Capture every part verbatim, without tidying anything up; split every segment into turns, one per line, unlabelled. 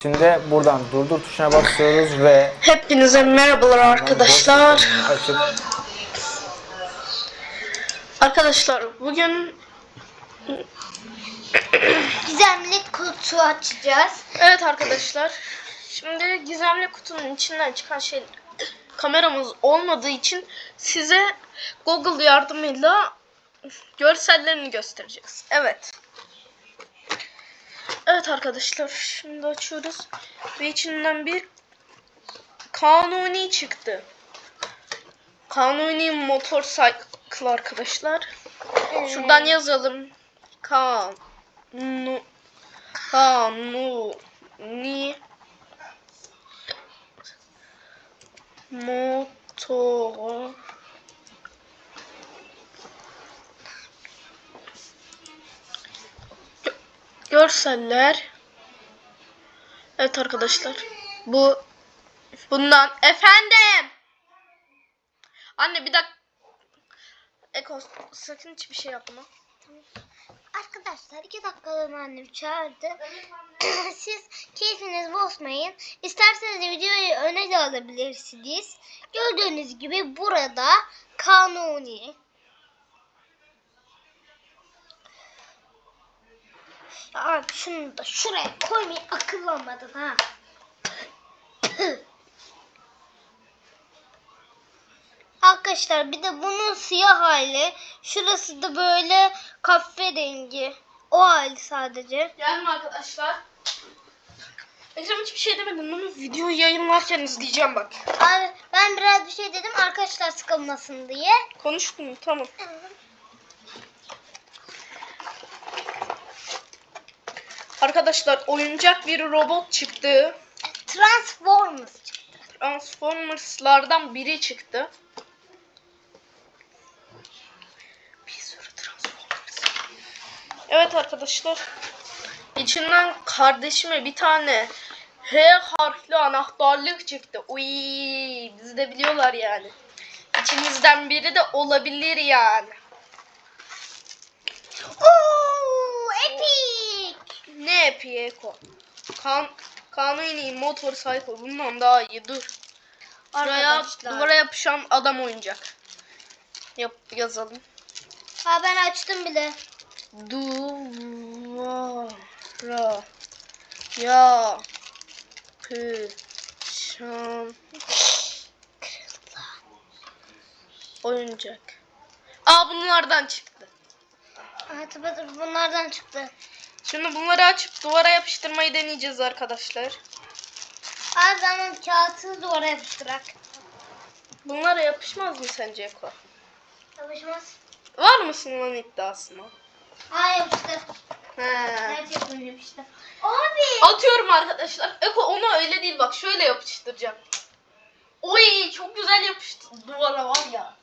Şimdi buradan durdur tuşuna basıyoruz ve
Hepinize merhabalar arkadaşlar.
açıp
Arkadaşlar bugün
Gizemli kutu açacağız.
evet arkadaşlar. Şimdi gizemli kutunun içinden çıkan şey kameramız olmadığı için size Google yardımıyla görsellerini göstereceğiz. Evet. Evet arkadaşlar şimdi açıyoruz ve içinden bir Kanuni çıktı. Kanuni motorcycle arkadaşlar. Şuradan yazalım. Kanu Kanuni motor görseller. Evet arkadaşlar. Bu bundan efendim. Anne bir dakika. Eko sakın hiçbir şey yapma.
Arkadaşlar iki dakikalığına annem çağırdı. Siz keyfiniz bozmayın. İsterseniz de videoyu öne de alabilirsiniz. Gördüğünüz gibi burada Kanuni. Ya abi şunu da şuraya koymayı akıllanmadın ha. Arkadaşlar bir de bunun siyah hali. Şurası da böyle kahverengi. O hali sadece.
Gelme arkadaşlar. Ekrem hiçbir şey demedim ama videoyu yayınlarken izleyeceğim bak.
Abi ben biraz bir şey dedim arkadaşlar sıkılmasın diye.
Konuştum tamam. Arkadaşlar oyuncak bir robot çıktı.
Transformers çıktı.
Transformers'lardan biri çıktı. Bir sürü Transformers. Evet arkadaşlar. İçinden kardeşime bir tane H harfli anahtarlık çıktı. Uy, bizi de biliyorlar yani. İçinizden biri de olabilir yani.
Oo, epic.
Ne epiği Eko? Kan Kanuni motorcycle bundan daha iyi. Dur. Şuraya
Arkadaşlar.
duvara yapışan adam oyuncak. Yap yazalım.
Ha ben açtım bile.
Duvara yapışan oyuncak. Aa bunlardan çıktı.
Evet, bunlardan çıktı.
Şimdi bunları açıp duvara yapıştırmayı deneyeceğiz arkadaşlar.
Abi zaman kağıtını duvara yapıştırak.
Bunlara yapışmaz mı sence Eko?
Yapışmaz.
Var mısın lan iddiasına?
Ha yapıştı.
He.
Gerçekten yapıştı. Abi.
Atıyorum arkadaşlar. Eko ona öyle değil bak şöyle yapıştıracağım. Oy çok güzel yapıştı duvara var ya.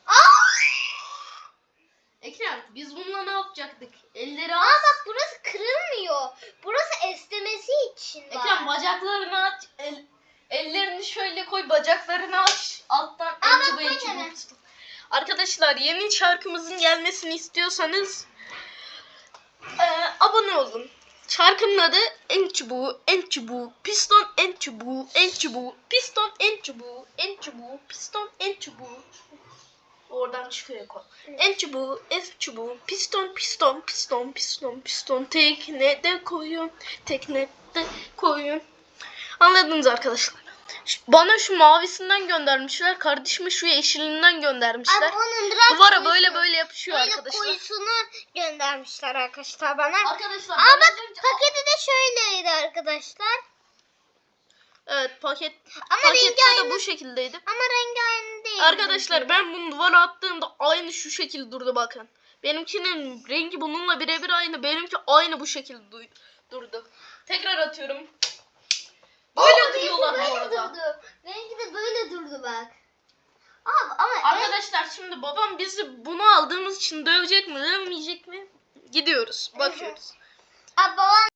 Ekrem biz bununla ne yapacaktık? Elleri
Aa
aç.
bak burası kırılmıyor. Burası esnemesi için var.
Ekrem bacaklarını aç. El, ellerini şöyle koy bacaklarını aç. Alttan
Aa,
en çubuğu
bak
en
böyle
çubuğu
mi?
tut. Arkadaşlar yeni şarkımızın gelmesini istiyorsanız eee, abone olun. Şarkının adı en çubuğu, en çubuğu, piston en çubuğu, en çubuğu, piston en çubuğu, en çubuğu, piston en çubuğu. Oradan çıkıyor kol. En çubuğu, en çubuğu, piston, piston, piston, piston, piston, teknede koyun, teknede koyun. Anladınız arkadaşlar. Ş- Bana şu mavisinden göndermişler, kardeşime şu yeşilinden göndermişler.
Abi onun biraz
Duvara
koyusu-
böyle böyle yapışıyor
böyle
arkadaşlar.
koyusunu göndermişler arkadaşlar bana.
Arkadaşlar
Aa
ben
bak
az önce-
paketi de şöyleydi arkadaşlar.
Evet paket
Ama
pakette
rengi
de
aynı.
bu şekildeydi.
Ama rengi aynı değil.
Arkadaşlar ben bunu duvara attığımda aynı şu şekil durdu bakın. Benimkinin rengi bununla birebir aynı. Benimki aynı bu şekilde du- durdu. Tekrar atıyorum. Böyle
Aa,
duruyorlar
rengi
bu
böyle
arada.
durdu. Rengi de böyle durdu bak. Abi ama en-
Arkadaşlar şimdi babam bizi bunu aldığımız için dövecek mi dövmeyecek mi? Gidiyoruz bakıyoruz.
Abi babam